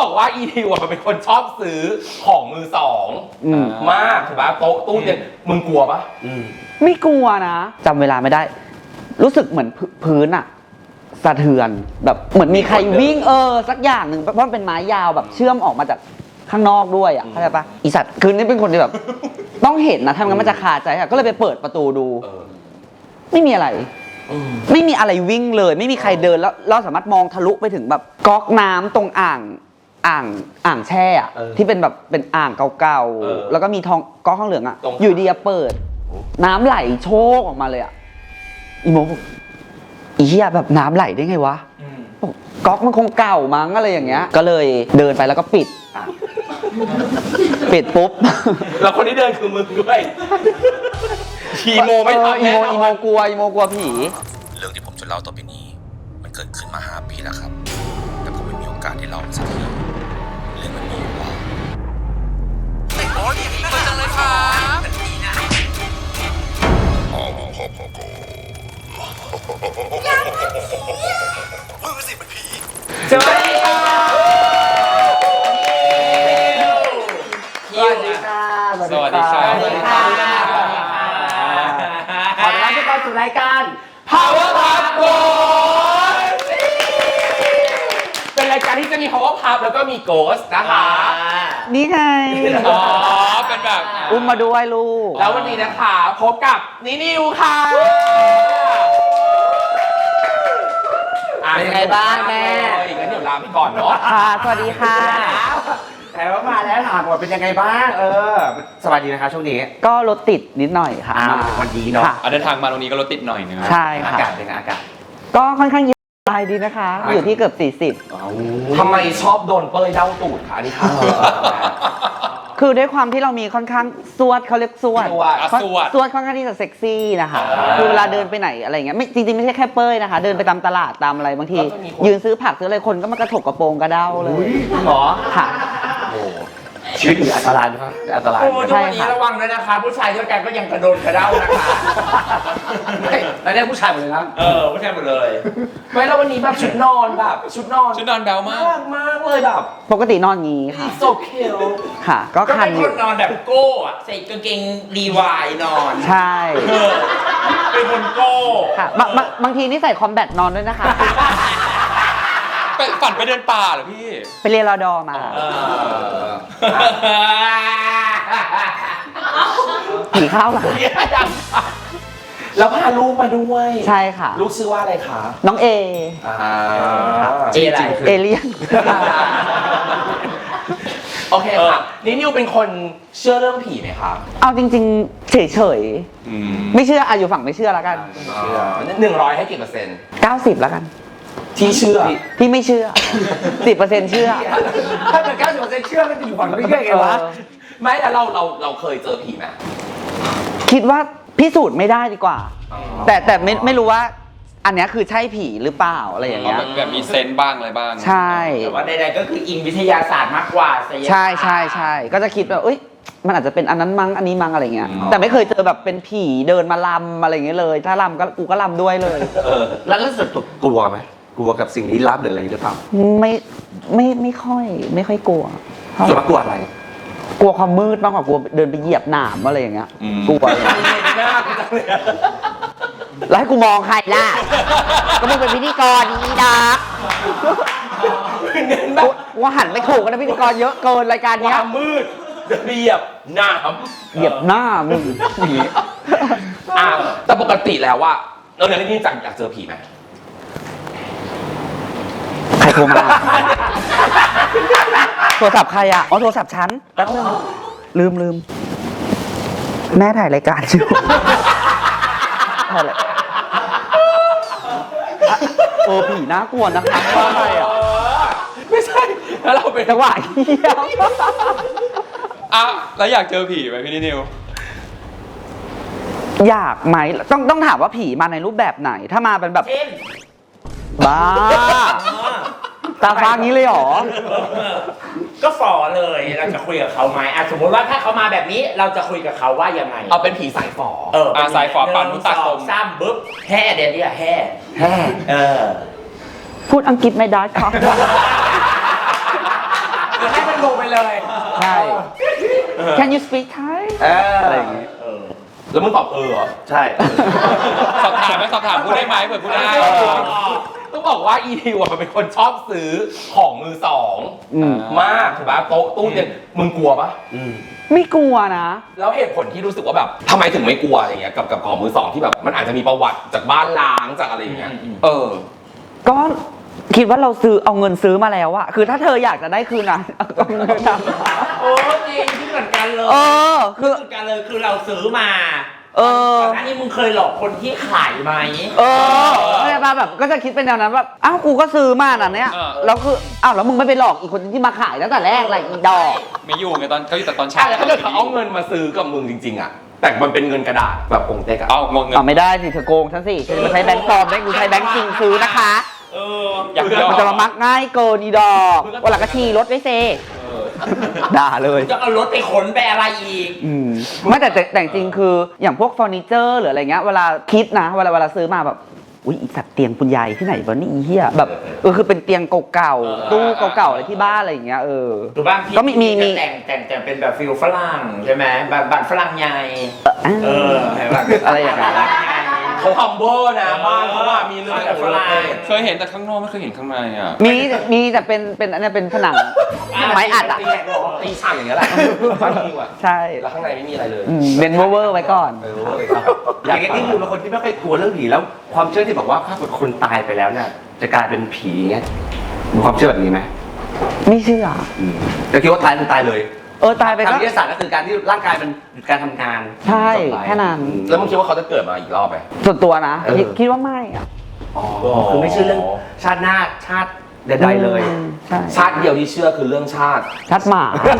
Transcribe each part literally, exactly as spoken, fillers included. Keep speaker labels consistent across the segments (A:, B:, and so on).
A: บอกว่าอีทิวมันเป็นคนชอบซื้อของมือสองมากถูกปะโต๊ะตู้เนี่ยมึงกลัวปะ
B: ไม่กลัวนะจำเวลาไม่ได้ รู้สึกเหมือนพื้นอะสะเทือนแบบเหมือนมีใครวิ่งเออสักอย่างหนึ่งเพราะมันเป็นไม้ยาวแบบเชื่อมออกมาจากข้างนอกด้วยอ่ะเข้าใจปะอีสัตว์คืนนี้เป็นคนที่แบบต้องเห็นนะทำงั้นมันจะคาใจอ่ะก็เลยไปเปิดประตูดูไม่มีอะไรไม่มีอะไรวิ่งเลยไม่มีใครเดินแล้วเราสามารถมองทะลุไปถึงแบบก๊อกน้ำตรงอ่างอ่างอ่างแช่อะที่เป็นแบบเป็นอ่างเก่าๆแล้วก็มีทองก๊อกข้างเหลืองอ่ะอยู่ดีเปิดน้ำไหลโชกออกมาเลยอ่ะอีโมอีเหี้ยแบบน้ำไหลได้ไงวะก๊อกมันคงเก่ามั้งอะไรอย่างเงี้ยก็เลยเดินไปแล้วก็ปิดปิดปุ๊บ
A: แล้วคนที่เดินคือมึงด้วยอีโมไม่ทำ
B: อีโมอีโมกลัวอีโมกลัวผี
C: เรื่องที่ผมจะเล่าต่อไปนี้มันเกิดขึ้นมาห้าปีแล้วครับแต่ผมไม่มีโอกาสได้เล่าสักทีเรื่องมันมีอยู่ว่าโอ้ยดีมากจังเลยครับมึงสิเป็นผี
A: สวัสดีค่ะ
B: สวัสดีค่ะ
A: สวัสดีค่ะสวัสดีค่ะ
B: ขอต้อนรับทุกคนสู่รายการ
A: Power Pub Ghost เป็นรายการที่จะมี Power Pub แล้วก็มี Ghost นะคะ
B: นี่ไง
A: อ๋อเป็นแบบ
B: อุ้มมาด้วยลูก
A: แล้ววันนี้นะคะพบกับนินิวค่ะ
B: เป็นยังไงบ้างแม่
A: งั้นเดี๋ยวลาไปก่อนเนาะ
B: ค่ะสวัสดีค่ะ
D: แต่ว่ามาแล้วถามก่อนเป็นยังไงบ้างเออสบายดีนะคะช่วงนี้
B: ก็รถติดนิดหน่อยค่ะ
D: วันดีเนาะ
A: เดินทางมาตรงนี้ก็รถติดหน่อยนึง
B: ใช่ค่ะ
D: อากาศเป็นอากาศ
B: ก็ค่อนข้างเย็นสบายดีนะคะอยู่ที่เกือบสี่สิบ
A: ทำไมชอบโดนเป้ยเด้าตูดคะนี่ค่ะ
B: คือด้วยความที่เรามีค่อนข้างสวดเขาเรียกสวด
A: สวด
B: สวดค่อนข้างที่จะเซ็กซี่นะคะคือเวลาเดินไปไหนอะไรเงี้ยไม่จริงๆไม่ใช่แค่เป้ยนะคะเดินไปตามตลาดตามอะไรบางทียืนซื้อผักซื้ออะไรคนก็มากระถกกระโปรงกระเด้าเลย
D: หรอ
B: ค่ะ
D: ชีวิตอันตรายไหมครับอันตราย
A: โอ้ทุกวันนี้ระวังด้วยนะคะผู้ชายด้วยกันก็ยังกระโดดกระเด้านะคะ
D: ไม่แล้วเนี่ยผู้ชายหมดเลยนะ
A: เออผู้ชายหมดเลยไม่แล้ววันนี้แบบชุดนอนแบบชุดนอน
D: ชุดนอนแบวมาก
A: มากเลยแบบ
B: ปกตินอนงี้ค่ะ
A: โซเคล
B: ค่ะก็คัน
A: อยู่ก็เป็นคนนอนแบบโก้อะใส่กางเกงรีวายนอน
B: ใช่
A: เป็นคนโก้
B: ค่ะบางทีนี่ใส่คอมแบทนอนด้วยนะคะ
A: ฝันไปเดินป่าเหรอพี่
B: ไปเรียนรอดอมาผีเข้าหรอ
A: แล้วพาลูกมาด้วย
B: ใช่ค่ะ
A: ลูกชื่อว่าอะไรคะ
B: น้องเอ
A: เออะไร
B: เอเลียน
A: โอเคค่ะนี่นิวเป็นคนเชื่อเรื่องผีไหมคะ
B: เอาจริงๆเฉยๆไม่เชื่ออ่ะอยู่ฝั่งไม่เชื่อแล้วกัน
A: หนึ่งร้อยให้กี่เปอร์เซ็นต์
B: เก้าสิบแล้วกัน
A: ที่เชื่อ
B: ที่ไม่เชื่อสิบเปอร์เซ็นต์เชื่อ
D: ถ้าเกิดเก้าสิบเปอร์เซ็นต์เชื่อมันจะอยู่ฝั่งนี้ได้ไงวะ
A: ไม่แล้วเราเราเราเคยเจอผีไหม
B: คิดว่าพิสูจน์ไม่ได้ดีกว่าแต่แต่ไม่ไม่รู้ว่าอันนี้คือใช่ผีหรือเปล่าอะไรอย่างเงี้ย
A: แบบมีเซนส์บ้างอะไรบ้าง
B: ใช่
D: แต่ว่าใดๆก็คืออิงวิทยาศาสตร์มากกว่า
B: ใช่ใช่ใช่ก็จะคิดว่าเอ้ยมันอาจจะเป็นอันนั้นมั้งอันนี้มั้งอะไรเงี้ยแต่ไม่เคยเจอแบบเป็นผีเดินมาลำอะไรเงี้ยเลยถ้าลำก็กูก็ลำด้วยเลย
D: แล้วรู้สึกกลัวไหมกลัวกับสิ่งลี้ลับหรืออะไรหรือเปล่า
B: ไม่ไม่ไม่ค่อยไม่ค่อยกลัว
D: ส่วนมากกลัวอะไร
B: กลัวความมืดมากกว่ากลัวเดินไปเหยียบหนามอะไรอย่างเงี้ยกลัวแล้วให้กูมองใครล่ะก็มึงเป็นพิธีกรอีดาว่าหันไม่ถูกนะพิธีกรเยอะเกินรายการนี้
A: ความมืดเหยียบหนาม
B: เหยียบหน้ามึง
A: อ่ะแต่ปกติแล้วว่าเออในที่จังอยากเจอผีไหม
B: ใครโทรมาโทรศัพท์ใครอ่ะอ๋อโทรศัพท์ฉันแป๊บนึงลืมลืมแม่ถ่ายรายการอยู่ถ่ายอะไรเออผีน่ากลัวนะคะว่าอะไรอ่ะ
A: ไม่ใช่แล้วเราเป็น
B: จังหวะเหี้ย
A: อ่ะแล้วอยากเจอผีไหมพี่นิว
B: อยากไหมต้องต้องถามว่าผีมาในรูปแบบไหนถ้ามาเป็นแบบบ้าตาฟ้างี้เลยหรอ
D: ก็ฝ่อเลยเราจะคุยกับเขาไหมสมมติว่าถ้าเขามาแบบนี้เราจะคุยกับเขาว่ายังไง
A: เอาเป็นผีสายฝ่อ
D: เออ
A: สายฝ่อปั่นมุตตะคม
D: ซ้ำบึ๊บแห่เดี๋ยวนี้แห่แห่เออ
B: พูดอังกฤษไม่ได้ครับ
A: ให้มันลงไปเลย
B: ใช่ Can you speak Thai อะไรอย่างงี้
D: เออ
A: แล้วมึงตอบเออเหรอ
E: ใช่
F: สอบถามไหมสอบถามพูดได้ไหมเผื่อพูดได้
A: ต้องบอกว่าอีทิวอะมันเป็นคนชอบซื้อของมือสอง
B: อืม
A: มากถูกปะโต๊ะตู้เนี่ยมึงกลัวปะ
B: ไม่กลัวนะ
A: แล้วเหตุผลที่รู้สึกว่าแบบทำไมถึงไม่กลัวอย่างเงี้ยกับกับของมือสองที่แบบมันอาจจะมีประวัติจากบ้านล้างจากอะไรอย่างเงี้ยเออ
B: ก็คิดว่าเราซื้อเอาเงินซื้อมาแล้วอะคือถ้าเธออยากจะได้คืนนะเอาเงินนะ
D: โอ้จริงที่เหมือนกันเลย
B: เออ คือ
D: เหมือนกันเลยคือเราซื้อมา
B: เออ
D: ก่อนหน้านี้มึงเคยหลอกคนที่ขายไหม
B: เออเข้าใจป่ะแบบก็จะคิดเป็นแนวนั้นแบบอ้าวกูก็ซื้อมาน่ะเนี่ย
F: เออ
B: แล้วคืออ้าวแล้วมึงไม่ไปหลอกอีกคนที่มาขายตั้งแต่แรกอะไรอีดอก
F: ไม่อยู่ไงตอนเขาอยู่แต่ตอนเช้า
A: ใช่แล้วถ้าเกิดเขาเอาเงินมาซื้อกับมึงจริงๆอะแต่มันเป็นเงินกระดาษแบบกงเต็กอะ
F: เอางงเงิน
B: เอาไม่ได้สิเธอโกงฉันสิฉันจะมาใช้แบงค์ปลอมได้กูใช้แบงค์จริงซื้อนะคะ
D: เออ
F: อยากยอ
B: มันจะมามักง่ายเกินอีดอกวันหลังก็ขี่รถไว้เซด่าเลย
D: จะเอารถไปขนไปอะไรอีก
B: อืมไม่แต่แต่แต่จริงๆคืออย่างพวกเฟอร์นิเจอร์หรืออะไรเงี้ยเวลาคิดนะเวลาเวลาซื้อมาแบบอุ้ยอีสัตว์เตียงคุณยายที่ไหนวะนี่อีเหี้ยแบบเออคือเป็นเตียงเก่า
D: เออ
B: ๆตู้เก่าๆอะไรที่บ้านอะไรอย่างเงี้ยเออ
D: หรือบ้างที่
B: ก็มีมีมี
D: จะแต่งแต่งแต่งเป็นแบบฟิลฝรั่งใช่ไหมแบบบ้านฝรั่งใหญ่ เออเห็นป่ะ
B: อะไรอย่างเงี้ย
D: ฝรั่งใหญ่
A: เขาคัมเบอร์นะบ้านเขาว่ามีเรื่อง
D: แต่ฝรั่ง
F: เคยเห็นแต่ข้างนอกไม่เคยเห็นข้างในอ่ะ
B: มีมีแต่เป็นเป็นอันเนี้ยเป็นผนังไม้อัดอ่ะ
A: ตีตีฉากอย่างเงี้ยแหละฟังจริงว่ะ
B: ใช่
A: แล้วข้างในไม่มีอะไรเลย
B: อืมเป็นเวอร์ๆไว้ก่อน
A: เออเว้ยครับ
E: อย่างนี้นี่คือเป็นคนที่ไม่ค่อยกลัวเรื่องผีแล้ว ความเชื่อที่บอกว่าถ้าเกิดคนตายไปแล้วเนี่ยจะกลายเป็นผีเงี้ยมีความเชื่อแบบนี้ไหม
B: ไม่เชื่อ
E: แต่คิดว่าตายคือตายเลย
B: เออตายไป
E: ทาง
B: ก็
E: วิทยาศาสตร์ก็คือการที่ร่างกายมันหยุดการทำงาน
B: ใช่
E: จบไป
B: แค่นั้น
A: แล้วมึงคิดว่าเขาจะเกิดมาอีกรอบไหม
B: ส่วนตัวนะ
E: เออ
B: คิดคิดว่าไม่อะ
E: อ๋อคือไม่เชื่อเรื่องชาติหน้าชาติใดๆเลย
B: อืมใช่
A: ชาติเดียวที่เชื่อคือเรื่องชาติ
B: ชัดหมา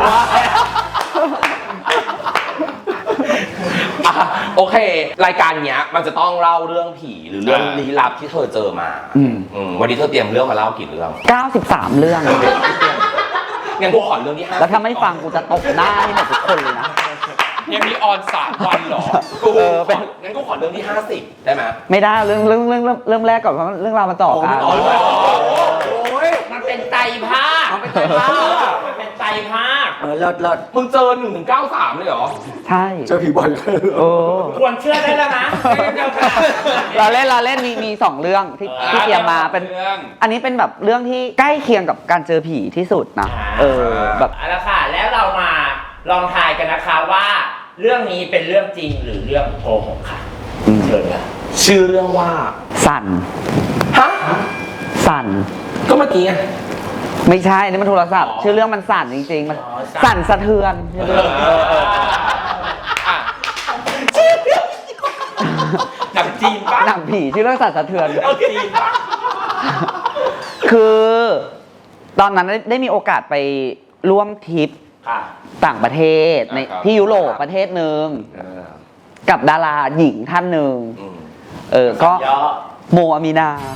A: อ่ะโอเค รายการเนี้ยมันจะต้องเล่าเรื่องผีหรือเรื่อง
F: อ่า
A: ลี้ลับที่เธอเจอมา
B: อืม
A: อืมวันนี้เธอเตรียมเรื่องมาเล่ากี่เรื่อง
B: เก้าสิบสามเรื่อง
A: งั้นกูขอเรื่องที่ห้า
B: แล้วถ้าไม่ฟังกูจะตบหน้าให้หมดทุกคนเลยนะ
F: เทปนี้ออนสามวันเหรอ
A: กู
B: เออเป็น
A: งั้นกูขอเรื่องที่ห้าสิบได้ไหม
B: ไม่ได้เรื่องเรื่องเรื่องเรื่องเรื่องแรกก่อนเพราะเรื่องราวมันต่อกัน
A: โอ้โห
D: โอ้ยมันเป็นไตรภาคมันเป็นไตรภาคมันเป็นไตรภาค
E: เออเลิศเลิศ
A: มึงเจอหนึ่งถึงเก้าสามเลยเหรอ
B: ใช่
E: เจอผีบ่อยเลย
B: โอ้
D: ควรเชื่อได้แล้วนะเจ้าค่ะ
B: เราเล่นเราเล่นมีมีสองเรื่องที่ที่เตรียมมาเป็น
F: เรื่อง
B: อันนี้เป็นแบบเรื่องที่ใกล้เคียงกับการเจอผีที่สุดนะเออแบบ
D: เอาละค่ะ แล้วเรามาลองทายกันนะคะว่า เรื่องนี้เป็นเรื่องจริงหรือเรื่องโกหกค่ะ
B: อืม
D: เชิญค่ะ
A: ชื่อเรื่องว่า
B: สั่น
A: ฮะ
B: สั่น
A: ก็เมื่อกี้ไง
B: ไม่ใช่นี่มันโทรศัพท์ ชื่อเรื่องมันสั่นจริงๆมันสั่นสะเทือนชื่อเรื่องเออเออ
F: อ่ะ
D: หนังจีนปะ
B: หนังผีชื่อเรื่องสั่นสะเทือน
D: หนังจีนปะ
B: คือ ตอนนั้นได้ได้มีโอกาสไปร่วมทริป
D: ค่ะ
B: ต่างประเทศในที่ยุโรปประเทศหนึ่ง
A: เออ
B: กับดาราหญิงท่านหนึ่ง
A: อืม
B: เออก็
D: ย่อ
B: โมอามีนา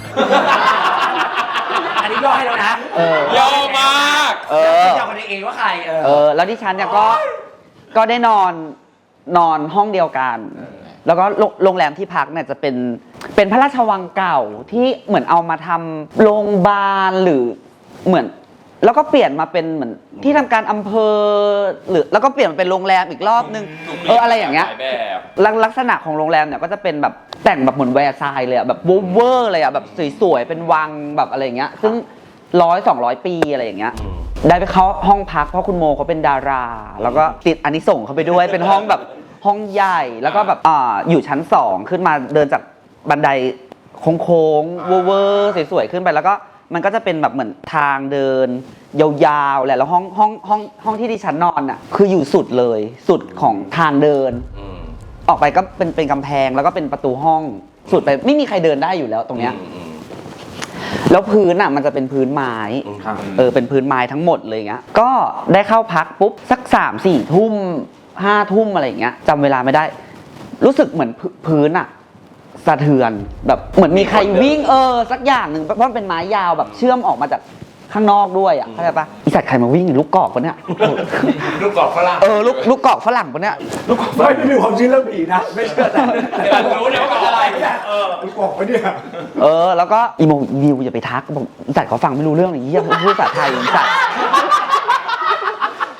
E: อันนี้ย่อให้แล้วนะ
B: เออ
F: เยอะมาก
B: เออ
E: ย่อกันเองว่าใครเออ
B: เออ แล้วดิฉันเนี่ยก็ก็ได้นอนนอนห้องเดียวกัน แล้วก็โรงโรงแรมที่พักเนี่ยจะเป็นเป็นพระราชวังเก่าที่เหมือนเอามาทำโรงพยาบาลหรือเหมือน แล้วก็เปลี่ยนมาเป็นเหมือนที่ทำการอำเภอหรือแล้วก็เปลี่ยนมาเป็นโรงแรมอีกรอบนึงเอออะไรอย่างเงี้ย
F: หลแบบ
B: ลักลักษณะของโรงแรมเนี่ยก็จะเป็นแบบแต่งแบบเหมือนแวร์ซายเลยอะแบบเวอร์เลยอะแบบสวยๆเป็นวังแบบอะไรอย่างเงี้ยซึ่งร้อยสองร้อยปีอะไรอย่างเงี้ย
A: อืม
B: ได้ไปเข้าห้องพักเพราะคุณโมเขาเป็นดารา แล้วก็ติดอานิสงส์เขาไปด้วยเป็นห้องแบบห้องใหญ่แล้วก็แบบอ่าอยู่ชั้นสองขึ้นมาเดินจากบันไดโค้งๆเวอร์ๆสวยๆขึ้นไปแล้วก็มันก็จะเป็นแบบเหมือนทางเดินยาวๆแหละแล้วห้องห้องห้องห้องที่ดิฉันนอนอ่ะคืออยู่สุดเลยสุดของทางเดิน
A: อืม
B: ออกไปก็เป็นเป็นกำแพงแล้วก็เป็นประตูห้องสุดไปไม่มีใครเดินได้อยู่แล้วตรงเนี้ย
A: อืม
B: แล้วพื้นอ่ะมันจะเป็นพื้นไม้
A: อืม
B: เออเป็นพื้นไม้ทั้งหมดเลยเงี้ยก็ได้เข้าพักปุ๊บสักสามสี่ทุ่มห้าทุ่มอะไรอย่างเงี้ยจำเวลาไม่ได้ รู้สึกเหมือนพื้พื้นอ่ะสะเทือนแบบเหมือนมีใครวิ่งเออสักอย่างหนึ่งเพราะมันเป็นไม้ยาวแบบเชื่อมออกมาจากข้างนอกด้วยอ่ะเข้าใจปะอีสัตว์ใครมาวิ่งลูกกอกปะเนี่ย
D: ลูกกรอกฝรั่ง
B: เออลูกลูกกอกฝรั่งปะเนี่ย
E: ลูกกอกไม่ไม่มีความเชื่อเรื่องผีนะไม่เชื่อแต่
D: แต่รู้เลยว่าเป็นอะไรเออ
E: ลูกกอกปะเนี่ย
B: เออแล้วก็อีโมวิวอย่าไปทักบอกอีสัตว์เขาฟังไม่รู้เรื่องเลยเยี่ยมพูดภาษาไทยอีสัตว์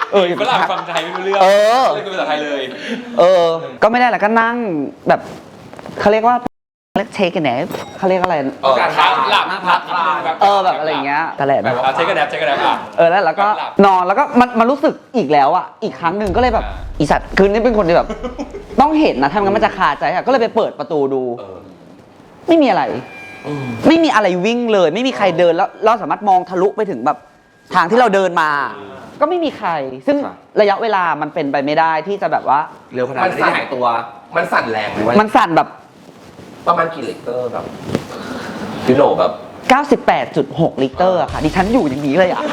B: เออ
F: ฝรั่งฟังไทยไม่รู้เรื่อง
B: เออ
F: เลยเป็นภาษาไทยเลย
B: เออ ก็ไม่ได้แหละก็นั่งแบบเขาเรียกว่าเรียกเทคกันแนปเขาเรียกอะไร
A: เออ
F: การพักหลับพักนิดนึง
B: เออแบบอะไรอย่างเงี้ยแต่แหละ
F: แบบว่าเช็คกันแดบเช็คกันแดบอ่ะ
B: เออแล้วแล้วก็
F: หลับ
B: นอนแล้วก็มันมันรู้สึกอีกแล้วอ่ะอีกครั้งหนึ่งก็เลยแบบ
F: อ่า
B: อีสัตว์คืนนี้เป็นคนที่แบบ ต้องเห็นนะทำงั้นมันจะคาใจอ่ะก็เลยไปเปิดประตูดู
A: เออ
B: ไม่มีอะไร
A: อืม
B: ไม่มีอะไรวิ่งเลย ไม่มีใครเดินแล้วเราสามารถมองทะลุไปถึงแบบทางที่เราเดินมา ก็ไม่มีใคร ซึ่ง
E: ครับ
B: ระยะเวลามันเป็นไปไม่ได้ที่จะแบบว่า
E: เร็วขนาดนั้นที่หายตัว
A: มันสั่นแรงไหมวะ
B: มันสั่นแบบ
A: ประมาณกี่ลิตรแบบยูโนแบบ
B: เก้าสิบแปดจุดหก ลิตรอะค่ะดิฉันอยู่อย่างนี้เลยอะ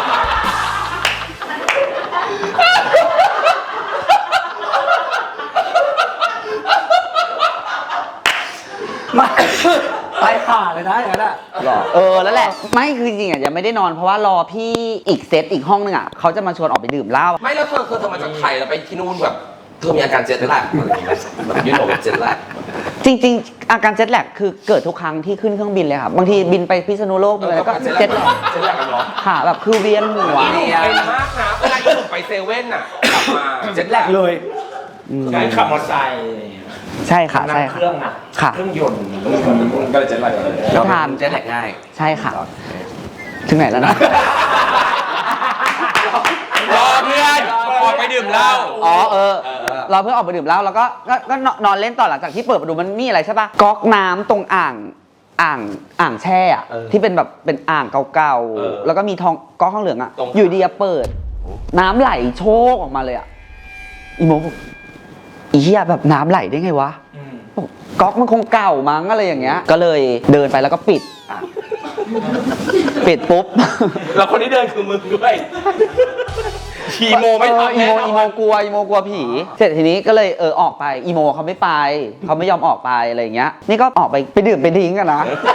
E: ไม่ไปขาเลยนะอย่างนั้นอ่ะ
B: หรอเออแล้วแหละไม่คือจริงๆอะยังไม่ได้นอนเพราะว่ารอพี่อีกเซตอีกห้องนึงอะเขาจะมาชวนออกไปดื่มเหล้า
A: ไม่แล้วเธอเธอเธอมาจากไทยแล้วไปที่นู่นแบบเธอมีอาการเจ็ตแลกอะไรอย่างเงี้ยแบบยูโนแบบเจ็ตแลก
B: จริงๆ อาการเจ็ตแลกคือเกิดทุกครั้งที่ขึ้นเครื่องบินเลยค่ะบางทีบินไปพิษณุโลกเลยก็เจ็ตแลก
A: เจ็ตแลกกันเหรอ
B: ค่ะแบบคือเวียนหัว
A: เป็นมากนะเวลาอีหนุ่มไปเซเว่นน่ะกลับมาเจ็ตแลก
E: เลย
D: ใช้ขับมอเตอร์ไซค์
B: ใช่ค่ะ
D: นั่
B: ใช่
D: งเค
B: ค่ะ
D: รื่องอ่ะ
B: ค่ะ
D: เครื่องยนต์
F: ก็เลยเจ็ดไหลเลย
E: เรา
B: ทาน
E: เจ็ตแลกง่าย
B: ใช่ค่ะ ถึงไหนแล้วนะ
F: รอเพื่อนออกไปดื่มเหล้า
B: อ๋อเออ เราเพิ่งออกไปดื่มเหล้าแล้วก็ก็ก็นอนเล่นต่อหลังจากที่เปิดประตูมันมีอะไรใช่ปะก๊อกน้ำตรงอ่างอ่างอ่างแช่อะที่เป็นแบบเป็นอ่างเก่าๆแล้วก็มีทองก๊อกข้างเหลืองอะอยู่ดีอะเปิด น้ำไหลโชกออกมาเลยอะอีโมบอกอีเหี้ยแบบน้ำไหลได้ไงวะบอกก๊อกมันคงเก่ามั้งอะไรอย่างเงี้ย ก็เลยเดินไปแล้วก็ปิด ปิดปุ๊บ
A: แล้วคนที่เดินคือมึงด้วยอีโมไม่
B: เออ
A: ทำ
B: อี
A: แน่
B: โม
A: น
B: อี
A: อ
B: โม
A: น
B: กลัวอีโมกลัวผี เสร็จทีนี้ก็เลยเออออกไปอีโมเขาไม่ไปเขาไม่ยอมออกไปอะไรอย่างเงี้ย นี่ก็ออกไปไปดื่มไปดิ้งกันนะ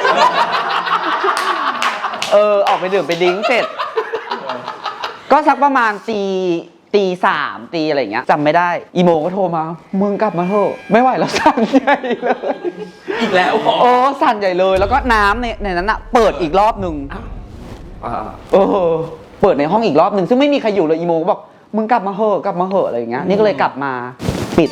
B: เออออกไปดื่มไปดิ้งเสร็จ ก็สักประมาณตีตีสามตีอะไรอย่างเงี้ยจำไม่ได้อีโมก็โทรมามึงกลับมาเถอะไม่ไหวแล้วสั่นใหญ่เลย
A: อีกแล้วเหรอ
B: โอ้สั่นใหญ่เลย แล้วก็น้ำในในนั้นอะเปิดอีกรอบหนึ่ง
E: อ่า
B: เออเปิดในห้องอีกรอบหนึ่งซึ่งไม่มีใครอยู่เลยอีโมก็บอกมึงกลับมาเหอะกลับมาเหอะอะไรอย่างเงี้ยนี่ก็เลยกลับมาปิด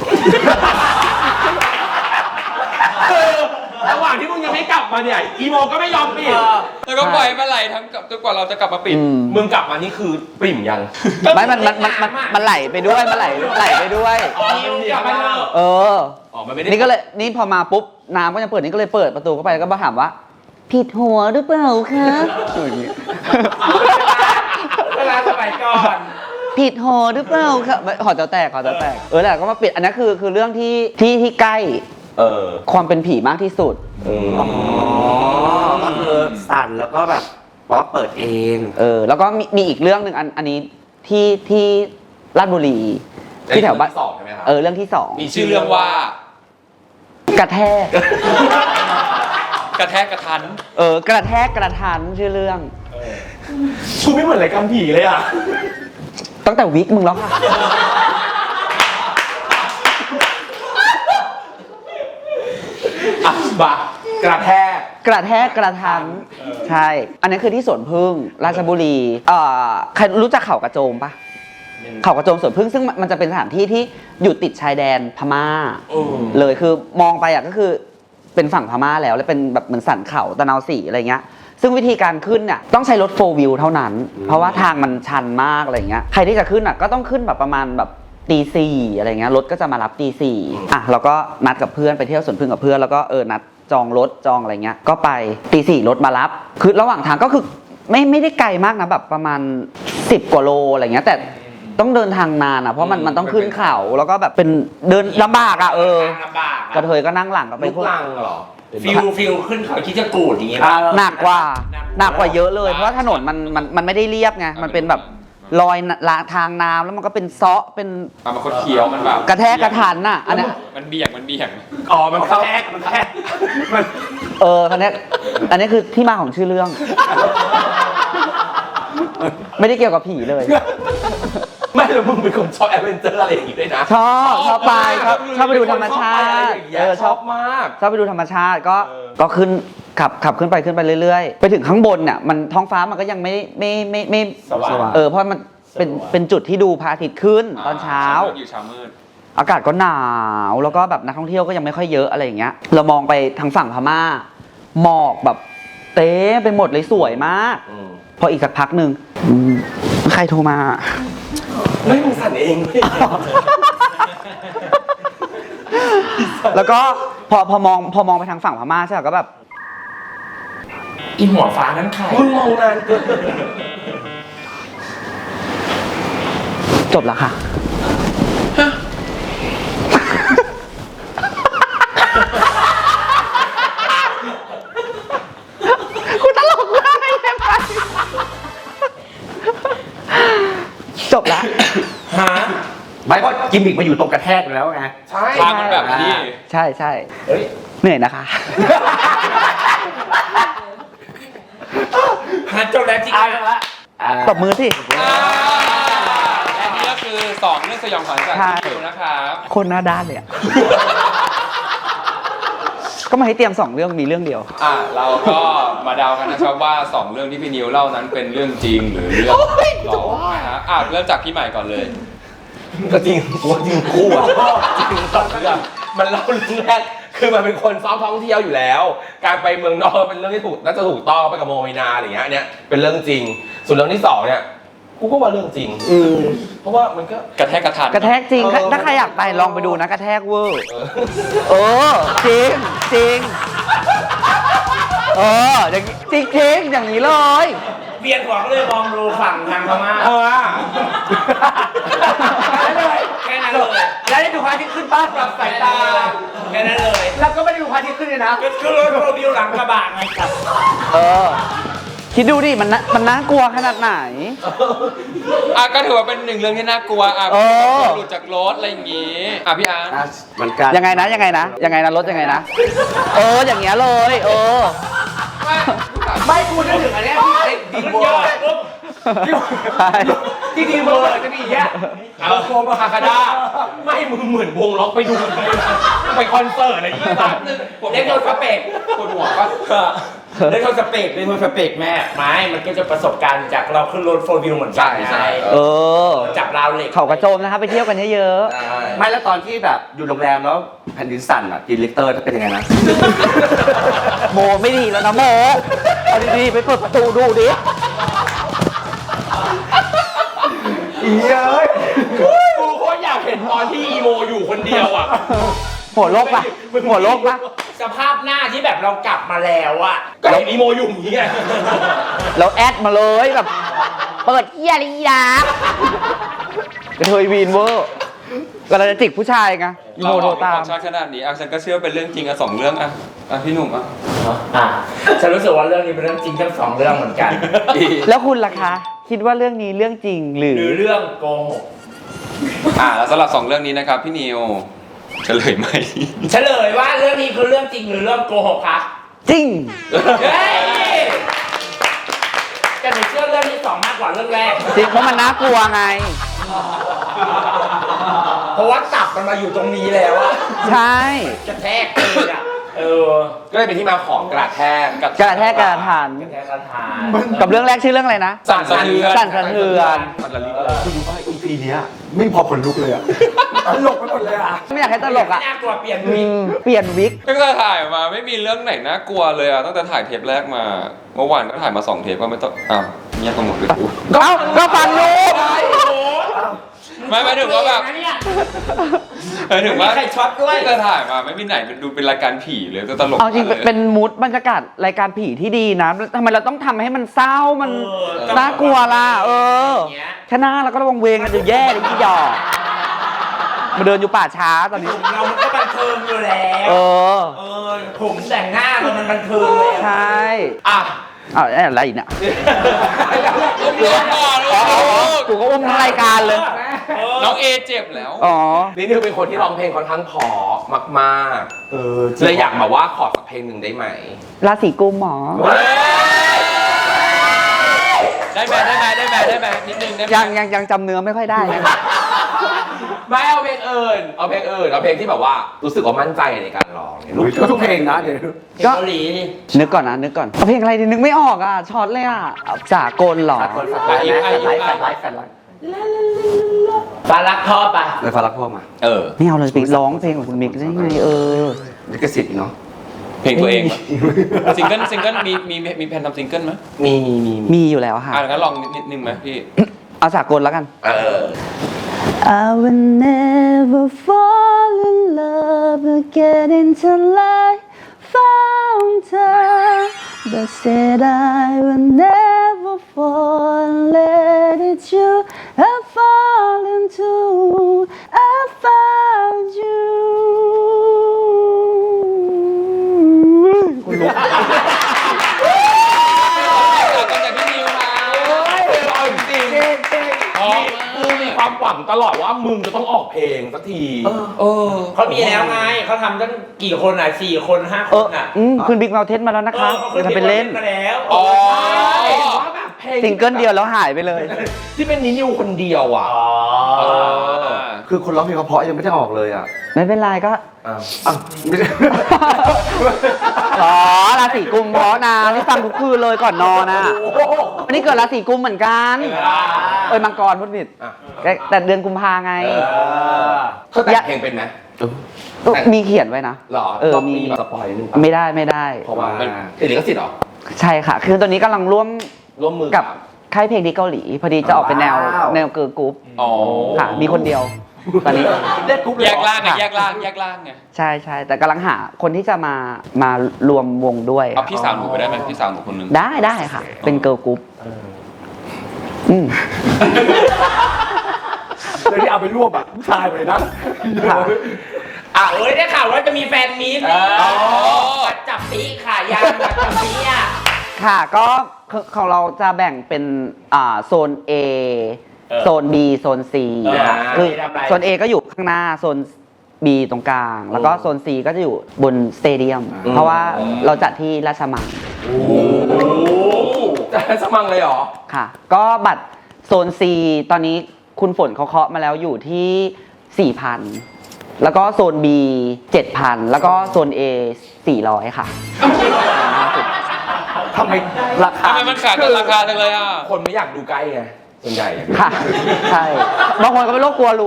A: ระหว่างที่มึงยังไม่กลับมาเนี่ยอีโมก็ไม่ยอมปิด
F: แล้วก็ปล่อยมาไหลทั้งกับจนกว่าเราจะกลับมาปิด
B: อืม
A: มึงกลับมานี่คือปริ่มยัง
B: ไม่มันมันมันมันมันไหลไปด้วยมันไหลไหลไปด้วย
A: อ๋อมันมีกลับมาเถอะ
B: เออ
A: อ๋อมันไม่ได้
B: นี่ก็เลยนี่พอมาปุ๊บน้ำก็ยังเปิดนี่ก็เลยเปิดประตูเข้าไปแล้วก็มาถามว่า ผิดหัวหรือเปล่าคะอย่างงี้
D: เวลาสมัยก่อน
B: ผิดหอหรือเปล่าคะหอจะแตกหอจะแตกเออแหละก็มาปิดอันนี้คือคือเรื่องที่ที่ที่ใกล้
A: เออ
B: ความเป็นผีมากที่สุด
A: อืม
E: อ๋อก็คือสั่นแล้วก็แบบว่าเปิดเอง
B: เออแล้วก็มีมีอีกเรื่องหนึ่งอันอันนี้ที่ที่ราชบุรีที่แถวบ้าน
A: สองใช่ไหมครับ
B: เออเรื่องที่สอง
F: มีชื่อเรื่องว่า
B: กระแทก
F: กระแทกกระทัน
B: เออกระแทกกระทันชื่อเรื่อง
A: ชูไม่เหมือนรายการผีเลยอ่ะ
B: ตั้งแต่วิกมึงแล้วค่ะ
A: อ่ะบะกระแทก
B: กระแทกกระทันใช่ อันนี้คือที่สวนพึ่งราชบุรีเอ่อใครรู้จักเขากระโจมปะเขากระโจมสวนพึ่งซึ่งมันจะเป็นสถานที่ที่อยู่ติดชายแดนพม่า
A: อืม
B: เลยคือมองไปอ่ะก็คือเป็นฝั่งพม่าแล้วแล้วเป็นแบบเหมือนสันเขาตะนาวสีอะไรเงี้ยซึ่งวิธีการขึ้นเนี่ยต้องใช้รถโฟร์วิวเท่านั้น เพราะว่าทางมันชันมากอะไรเงี้ยใครที่จะขึ้นอ่ะก็ต้องขึ้นแบบประมาณแบบตีสี่อะไรเงี้ยรถก็จะมารับตีสี่อ่ะเราก็นัดกับเพื่อนไปเที่ยวสวนพึ่งกับเพื่อนแล้วก็เออนัดจองรถจองอะไรเงี้ยก็ไปตีสี่รถมารับคือระหว่างทางก็คือไม่ไม่ได้ไกลมากนะแบบประมาณสิบกว่าโลอะไรเงี้ยแต่ต้องเดินทางนานอ่ะเพราะมันมันต้องขึ้นเขาแล้วก็แบบเป็นเดินลำบากอ่ะเออ
D: ลำบาก
B: กระเทยก็นั่งหลังกับไป
A: ลูกลังเหรอ
D: ฟิลฟิลขึ้นเขาคิดจะกูดอย่างเงี้ย
B: หนักกว่าหนักกว่าเยอะเลยเพราะว่าถนนมันมันมันไม่ได้เรียบไงมันเป็นแบบรอยลาทางน้ำแล้วมันก็เป็นเซาะเป็น
F: มันเป็นคนเคี้ยวมันแบบ
B: กระแทกกระทันน่ะอันเนี้ย
F: มันเบี่ยงมันเบี่ยง
A: อ๋อ มันกระแทกมันกระแทกมัน
B: เอออันเนี้ยอันนี้คือที่มาของชื่อเรื่อง ไม่ได้เกี่ยวกับผีเลย
A: ไม่แล้วมึงเป็นคนชอบแอดเวนเจอร์อะไรอย่างงี้ด้วยนะ
B: ชอบชอบไปชอบชอบไปดูธรรมชาติ
A: เอ
B: เอ
A: อ
B: อ
A: ช
B: ช
A: อ
B: อ
A: บบ มาก
B: ชอบไปดูธรรมชาติก็
A: เออ
B: ก็ขึ้นขับขับขึ้นไปขึ้นไปเรื่อยๆ ไปถึงข้างบนเนี่ยมันท้องฟ้ามันก็ยังไม่ไม่ไม่ไม่
D: สว่าง
B: เออเพราะมันเป็นเป็นจุดที่ดูพระอาทิตย์ขึ้นตอนเช้า
F: อยู่เช้ามืด
B: อากาศก็หนาวแล้วก็แบบนักท่องเที่ยวก็ยังไม่ค่อยเยอะอะไรอย่างเงี้ย เรามองไปทางฝั่งพม่าหมอกแบบเต้ไปหมดเลยสวยมากพออีกสักพักหนึ่งอืมใครโทรมา
A: ไม่มึงสั่นเองเว้ย
B: แล้วก็พอพอมองพอมองไปทางฝั่งพม่าใช่ไหมก็แบบ
D: อีหัวฟ้านั้นใคร
A: มึงมองนานเกิน
B: จบแล้วค่ะ คุณตลกมากเลยใช่ไหมจบแล้ว
D: ฮะ
E: ไม่เพราะกิมมิกมาอยู่ตรงกระแทกแล้วไง
A: ใช่
F: ภาพมันแบบนี้
B: ใช่ใช่
D: เฮ้ย
B: เหนื่อยนะคะ
D: ฮะจบแล้วจริง
E: อ่ะ
D: ละ
B: ตบมือสิ
F: อ่าและนี่ก็คือสองเรื่องสยองขวัญจาก
B: ใช่
F: พี่นิวนะครับ
B: คนหน้าด้านเลยอะ ก็มาให้เตรียมสองเรื่องมีเรื่องเดียว
F: อ่าเราก็มาเดากันนะครับว่าสองเรื่องที่พี่นิวเล่านั้นเป็นเรื่องจริงหรือเรื่องหลอกนะฮะอ่ะเริ่มจากพี่ใหม่ก่อนเลย
A: ก็จริงกูว่าจริงคู่อ่ะจริงสองเรื่องมันเล่าเรื่องแรกคือมันเป็นคนซ้อมท่องเที่ยวอยู่แล้ว การไปเมืองนอกเป็นเรื่องที่ถูกน่าจะถูกต้องไปกับโมเมนาอะไรอย่างเงี้ยอันเนี้ยเป็นเรื่องจริง ส่วนเรื่องที่สองเนี่ยกูก็ว่าเรื่องจริงเพราะว่ามันก็
F: กระแทกกระทัน
B: กระแทกจริง
A: เออ
B: ถ้าใครอยากไปลองไปดูนะกระแทกเวอร์
A: เออ
B: เออ จริงจริงเอออย่างนี้จริงจริงอย่างนี้เลย
D: เวียนหัวก็เลยมองดูฝั่งทางพม่า
A: เออ
D: แค่นั้นเลย
E: แล้วได้ดูพระอาทิตย์ขึ้นป้า
A: ปรับสายตา
D: แค่นั้นเลย
E: แล้วก็ไม่ได้ดูพระอาทิตย์ขึ้นเลยนะ
D: ก็คือรถโปรวิวหลังกระบะไงกับ
B: เออ คิดดูดิมันน่ามันน่ากลัวขนาดไหน
F: อ่ะก็ถือว่าเป็นหนึ่งเรื่องที่น่ากลัวอ่ะ
B: เออ
F: หลุดจากรถอะไรอย่างงี้อ่ะพี่อาร์ต
E: อ่ะเหมือนกัน
B: ยังไงนะยังไงนะยังไงนะรถยังไงนะ เอออย่างเงี้ยเลย เออ
E: ไม่กูนึกถึงอันเนี้ยที่ไอ้ดี
D: มัน
E: โว
D: ยอดปุ๊บ
B: ใช่
E: ที่ดีโวจะมีอย่างเงี้ย
A: เอาโคมคาคาด้าไม่มึงเหมือนวงล็อกไปดูไปคอนเสิร์ตอะไรอย่างเงี้ย
D: เล่นโดนสเปก
F: ปวดหัวปะ
D: เล่นโดนสเปกเล่นโดนสเปกแม่ไม่มันก็จะประสบการณ์จากเราขึ้นรถโฟร์วิวเหมือนกันไง
B: เออ
D: จับราวเหล็ก
B: เขากระโจมนะครับไปเที่ยวกันเยอะ
E: ไม่แล้วตอนที่แบบอยู่โรงแรมแล้วแผ่นดินสั่นอ่ะกินลิกเตอร์จะเป็นยังไงนะ
B: ๆโมไม่ดีแล้วนะโมเอาดีๆไปเปิดประตูดูดิ
E: อีเอ้ย
A: กูโคตรอยากเห็นตอนที่อีโมอยู่คนเดียวอ่ะ
B: หัวโลกปะหัวโลกปะ
D: สภาพหน้าที่แบบเรากลับมาแล้วอะ
A: ก็เห็นอีโมอยู่อย่างนี้ไง
B: เราแอดมาเลยแบบ เปิดเฮียลีดากระเทยวีนเวอร์ก็เราจะจิกผู้ชายไงอี
F: เรา
B: โม
F: อ
B: โทร
F: อก
B: ตาม
F: ชาติขนาดนี้อ่ะฉันก็เชื่อเป็นเรื่องจริงอ่ะสองเรื่องอ่ะอ่ะพี่หนุ่มอ่ะ
D: อ่ะฉันรู้สึกว่าเรื่องนี้เป็นเรื่องจริงทั้งสองเรื่องเหมือนกัน
B: แล้วคุณล่ะคะ คิดว่าเรื่องนี้เรื่องจริงหรือ
D: หรือเรื่องโกหก
F: อ่ะแล้วสำหรับสองเรื่องนี้นะครับพี่นิวเฉลยไหม
D: เฉลยว่าเรื่องนี้คือเรื่องจริงหรือเรื่องโกหกคะ
B: จริง
D: เฮ้ยแต่หนูเชื่อเรื่องที่สองมากกว่าเรื่องแรก
B: จริงเพราะมันน่ากลัวไง
D: เพราะว่าตับมันมาอยู่ตรงนี้แล้วอะ
B: ใช่
D: กระแทกเลยอะเออ
A: ก็เลยเป็นที่มาของกระแทก
B: กระแทกกระทัน
D: กระแทกกระทาน
B: กับเรื่องแรกชื่อเรื่องอะไรนะ
F: สั่นสะเทือน
B: สั่นสะเทือน
A: มันละลิกเลย
E: คุณรู้ป่ะ อี พี เนี้ยไม่พอขนลุกเลยอ่ะตลกไปหมดเลยอ่ะ
B: ไม่อยากให้ตลกอ่ะ
D: ไม่น่ากลัวเปลี่ยน
B: อืมเปลี่ยนวิก
F: ตั้งแต่ถ่ายมาไม่มีเรื่องไหนน่ากลัวเลยอ่ะตั้งแต่ถ่ายเทปแรกมาเมื่อวานก็ถ่ายมาสองเทปก็ไม่ต้องอ้าวเงียบกันหมดเลยกู
B: เอ้าก็ฟังอยู่
F: ไม่หมายถึงว่าแบบ
D: เนี่ย
F: หมายถึงว่า
D: ไม่มีใครช็อตด้วย
F: ตั้งแต่ถ่ายมาไม่มีไหนดูเป็นรายการผีเลยก็ตลก
B: เอาจริง
F: ลย
B: เป็นมูดบรรยากาศรายการผีที่ดีนะทำไมเราต้องทำให้มันเศร้ามัน
D: เออ
B: น่ากลัวล่ะ เออ
D: อย่างเงี้ย
B: แค่หน้าเราก็ระวังเวงกันจะแย่เลยพี่หยอกมาเดินอยู่ป่าช้าตอนนี้
D: เรามันก็บันเทิงอยู่แล้ว
B: เออ
D: เออผมแต่งหน้าเรามันบันเทิงเลย
B: ใช่
A: อ่ะ
B: อ้าวอะไรอีกเนี่ย
F: อุ้มลูกก่อน
B: อ๋อ
F: ลูก
B: กูก็อุ้มทั้งรายการเลย
F: น้องเอเจ็บแล้ว
B: อ๋อ
A: นี่นิวเป็นคนที่ร้องเพลงค่อนข้างเพอมาก
E: เออ
A: ๆเลยอยากแบบว่าขอสักเพลงหนึ่งได้ไหม
B: ราศีกุมหมอ
F: ได้ไหมได้ไหมได้ไหมได้ไหมนิดนึงได้ไหม
B: ยังยังยังจำเนื้อไม่ค่อยได้นะ
A: ไม่เอาเพลงอื่นเอาเพลงอื่นเอาเพลงที่แบบว่ารู้สึกว่ามั่นใจในการร้องเนี่ย
E: อุ๊ยก็ทุกเพลงนะเดี๋ยว
B: ก็
D: เกาหลีดิ
B: นึกก่อนนะนึกก่อนเอาเพลงอะไรดีนึกไม่ออกอ่ะช็อตเลยอ่ะเอาสากลเหรอ
E: สากลสากลแฟนไลฟ์แฟนไลฟ์แฟนไลฟ์
D: ฟ้ารักพ่อปะ
E: เลยฟ้ารักพ่อมา
F: เออ
B: ไม่เอาเลยไปร้องเพลงของคุณมิกได้ไงเออ
E: ลิขสิทธิ์เนาะ
F: เพลงตัวเองปะซิงเกิลซิงเกิลมีมีมีแผนทำซิงเกิลไหม
A: มีมีมี
B: มีอยู่แล้วค่ะ
F: อ่ะงั้นลองนิดนิดนึงไหมพี่
B: เอาสากลแล้วกัน
A: เออ
B: I will never fall in love again until I found her but said I will never fall and let it you I fall into I found you คุณลุก
F: ก็จากพี่นิวมา
A: เอาจริงๆกูมีความหวังตลอดว่ามึงจะต้องออกเพลงสักที
F: เออ
D: เขามีแล้วไงเขาทำตั้งกี่คนอ่ะสี่คนห้าค
B: เออน
D: อ่ะ
B: อืมคุณบิ๊กเมาเทนมาแล้วนะคะ
D: ออขา
B: จะเป็นเล่น
D: มาแล้ว
F: อ๋อ
A: ว่าแบบเพลง
B: ซิงเกิลเดียวแล้วหายไปเลย
A: ที่เป็นนินิวคนเดียวอ่ะ
D: อ๋อ
E: คือคนร้องเพลงเพราะๆยังไม่ได้ออกเลยอ่ะ
B: ไม่เป็นไรก็
A: อ้าว
E: อ้าวไม่ใช่
B: อ๋อราศีกุมเพราะนะนี่ฟังทุกคืนเลยก่อนนอนนะวันนี้เกิดราศีกุมเหมือนกันเอ้ยมังกรพูดผิด
A: อ่ะ
B: แต่แต่เดือนกุมภาไง
A: เขาแต่งเพลงเป็นไหม
B: ก็มีเขียนไว้นะ
A: หรอ
B: เออ
A: ต้อง
B: มี
A: มีสปอยล์นึง
B: ไม่ได้ไม่ได้
A: เพราะว่าติดลิขสิทธิ์เหรอ
B: ใช่ค่ะ คือตอนนี้กำลังร่วม
A: ร่วมมือ
B: กับค่ายเพลงที่เกาหลี พอดีจะออกเป็นแนวแนวเกิร์ลกรุ๊ป
F: อ๋อ
B: ค่ะ มีคนเดียว ตอนนี้
E: เล่นกรุ๊ปเลย
F: แย
E: เหร
F: ก
E: อ
F: ล่างไงแยกล่างแยกล่างไง
B: ใช่ใช่แต่กำลังหาคนที่จะมามารวมวงด้วย
F: เอาพี่สาวหนูไปได้ไหมพี่สาวหนูคนหนึง
B: ได้ได้ค่ะ เป็นเกิร์ลกรุ๊ปอืม
E: เลยที่เอาไปรวบอ่ะผู้ชายไปเลยนะ
B: ค่ะ
D: อ่ะเอ้ยได้ข่าวว่าจะมีแฟนมีต
A: เออ
D: ปัดจับปีค่ะยางปัดจับปีอ่ะ
B: ค่ะก็คือของเราจะแบ่งเป็นอ่าโซน A
D: เออ
B: โซน B โซน C
D: เออ
B: นะคะคือ
D: ทำอะไร
B: โซน A ก็อยู่ข้างหน้าโซน B ตรงกลาง แล้วก็โซน C ก็จะอยู่บนสเตเดียม เพราะว่าเราจัดที่ราชมัง
A: จะสมังเลยเหรอ
B: ค่ะ ก็บัตรโซน C ตอนนี้คุณฝนเขาเคาะมาแล้วอยู่ที่ สี่พัน แล้วก็โซน B เจ็ดพัน แล้วก็โซน A สี่ร้อย ค่ะ
E: ทำไมราคา
F: ทำไมมันขาดกันราคาจังเลยอ่ะ
A: คนไม่อยากดูใกล้ไงส่วนใหญ่อะ
B: ค่ะ ใช่ บางคนก็เป็นโรคกลัวรู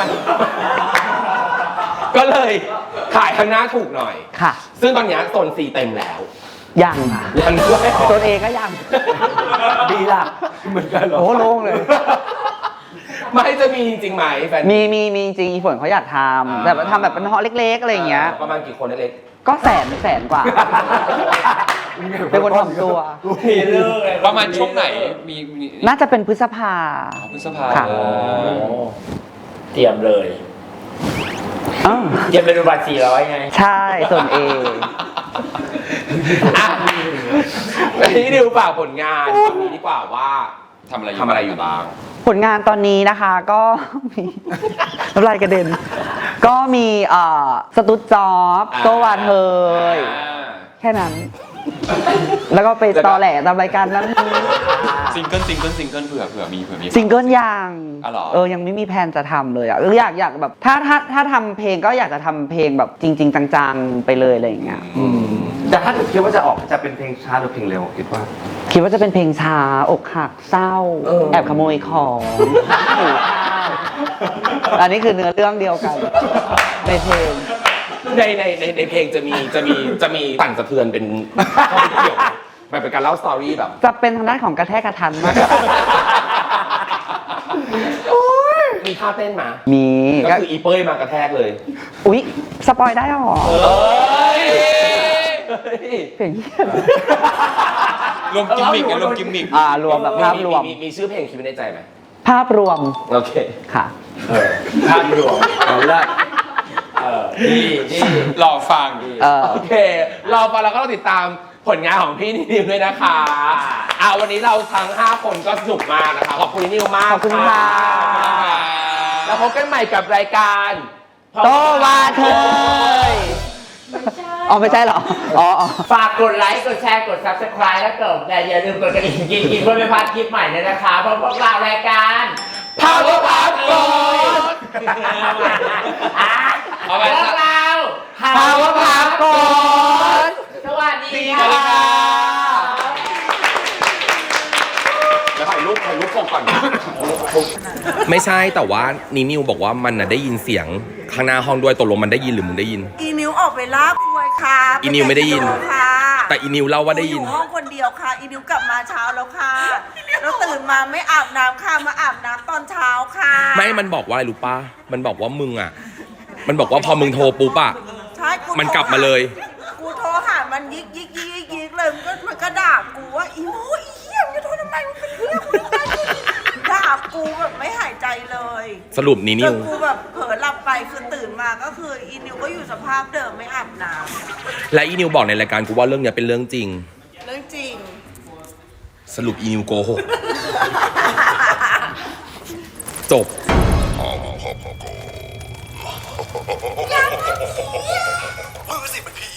A: ก็เลยขายข้างหน้าถูกหน่อย
B: ค่ะ
A: ซึ่งตอนเนี้ยโซน C เต็มแล้ว
B: ยังค่ะ
A: ยังด้วย
B: โซน A ก็ยัง
E: ดีล่ะเหมือนกันเหรอ
B: โอ้โล่งเลย
A: ไม่จะมีจริงๆไหมแฟน
B: มีมีมีจริงฝนเขาอยากทำแต่ว่าทำแบบเป็นฮอลเล็กๆ อะไรอย่างเงี้ย
A: ประมาณกี่คนเล็ก
B: ก็แสนแสนกว่า เป็นคนถ่อมตัว
D: มีเลิกเลย
F: ประมาณช่วงไหนมีมี
B: น่าจะเป็นพฤษภา
F: อ๋อพฤษภา
B: ค่ะ
F: อ๋อ
D: เตรียมเลย
B: อ้าว
D: เตรียมไปดูบัตรสี่ร้อยไง
B: ใช่ส่วน A
A: ๆอ่ะนี่ดิวฝากผลงานตอนนี้ดีกว่าว่า
F: ทำอะไร
A: ทำอะไรอยู่บ้าง
B: ผลงานตอนนี้นะคะก็มี น้ำลายกระเด็น ก็มีเอ่อสตูดจ็อบ
A: อ่า
B: โซวาเทย
F: อ่า
B: แค่นั้น แล้วก็ไปตอแหลตามรายการนั้น
F: ซิงเกิลซิงเกิลซิงเกิลเผื่อเผื่อมีเผื่อมี
B: ซิงเกิลยัง
F: อ๋อเหรอ
B: เออยังไม่มีแผนจะทำเลยอ่ะอยากอยากแบบถ้าถ้าถ้าทำเพลงก็อยากจะทำเพลงแบบจริง ๆ จังๆไปเลยอะไรอย่างเงี้ย
F: อืม
E: แต่ถ้าเกิดคิดว่าจะออกจะเป็นเพลงช้าหรือเพลงเร็วคิดว่า
B: คิดว่าจะเป็นเพลงช้าอกหักเศร้า แอบขโมยของอันนี้คือเนื้อเรื่องเดียวกัน ในเพลง
A: ในในในในเพลงจะมีจะมีจะมีสั่นสะเทือนเป็นเข้าไปเกี่ยวแบบเป็นการเล่าสตอรี่แบบ
B: จะเป็นทางด้านของกระแทกกระทันมาก
A: มีท่าเต้นมา
B: มี
A: ก็
B: ก็
A: คืออีเป้ยมากระแทกเลย
B: อุ๊ย สปอยได้หรอ
A: เอ้ย
B: เพลงเหี้ย
F: รวมกิมมิกไงรวมกิมมิก
B: อ่ารวมแบบภาพรวม
A: มีมีชื่อเพลงคิดไว้ในใจไหม
B: ภาพรวม
A: โอเค
B: ค่ะ
D: ภาพรวม
E: เอาละ
D: เออดีดี
F: รอฟัง
B: เออ
A: โอเครอฟังแล้วก็ต้องติดตามผลงานของพี่นิวด้วยนะคะอ่าวันนี้เราทั้งห้าคนก็สนุกมากนะคะขอบคุณนิวมาก
B: ขอบคุณค่ะ
A: แล้วพบกันใหม่กับรายการ
B: โตวาเธยอ๋อไม่ใช่เหรอ อ๋ออ๋อ
D: ฝากกดไลค์กดแชร์กด ซับสไครบ์ แล้วก็แต่อย่าลืมกดกระดิ่งกินกินเพื่อไม่พลาดคลิปใหม่เลยนะคะเพราะพวกเรารายการ
A: Power Pop Gold
F: เอาไป
D: พวกเรา
B: Power Pop Gold
D: สวัสดี
A: สวัสดี
D: ค่ะ
A: ค่ะ แล้วถ่ายรูปถ่ายรูปปก
F: ก่อน
A: ไม่ใช่แต่ว่านินิวบอกว่ามันน่ะได้ยินเสียงข้างหน้าห้องด้วยตกลงมันได้ยินหรือมึงได้ยิน
G: อีนิวออกไปลากควยค่ะ
A: อีนิวไม่ได้ยิน
G: ปค่ะ
A: แต่อีนิวเล่าว่าได้ยิน
G: อยู่ห้องคนเดียวค่ะ อีนิวกลับมาเช้าแล้วค่ะแล้วตื่นมาไม่อาบน้ำค่ะมาอาบน้ำตอนเช้าค่ะ
A: ไม่มันบอกว่าอะไรรู้ป่ะมันบอกว่ามึงอ่ะ มันบอกว่าพอมึงโทรปุ๊บอ่ะ
G: ใช่กู
A: มันกลับมาเลย
G: กูโทรหามันยิกยิกยิกยิกยิกเลยมันก็มันก็ด่ากูว่าอีโมอีเหี้ยมึงจะโทรทำไมมึงเป็นเหี้ยกูทำไมด่ากูแบบไม่หายใจเลย
A: สรุปนิ
G: จ
A: นิ
G: น
A: ว
G: กูแบบเผลอหลับไปคือตื่นมาก็คืออีนิวก็อยู่สภาพเดิมไม่อาบน้
A: และอีนิวบอกในรายการกูว่าเรื่องเนี้ยเป็นเรื่องจริง
G: ำเรื่องจริง
A: สรุปอีนิวโกหกจบ
H: มือสิเป็นผี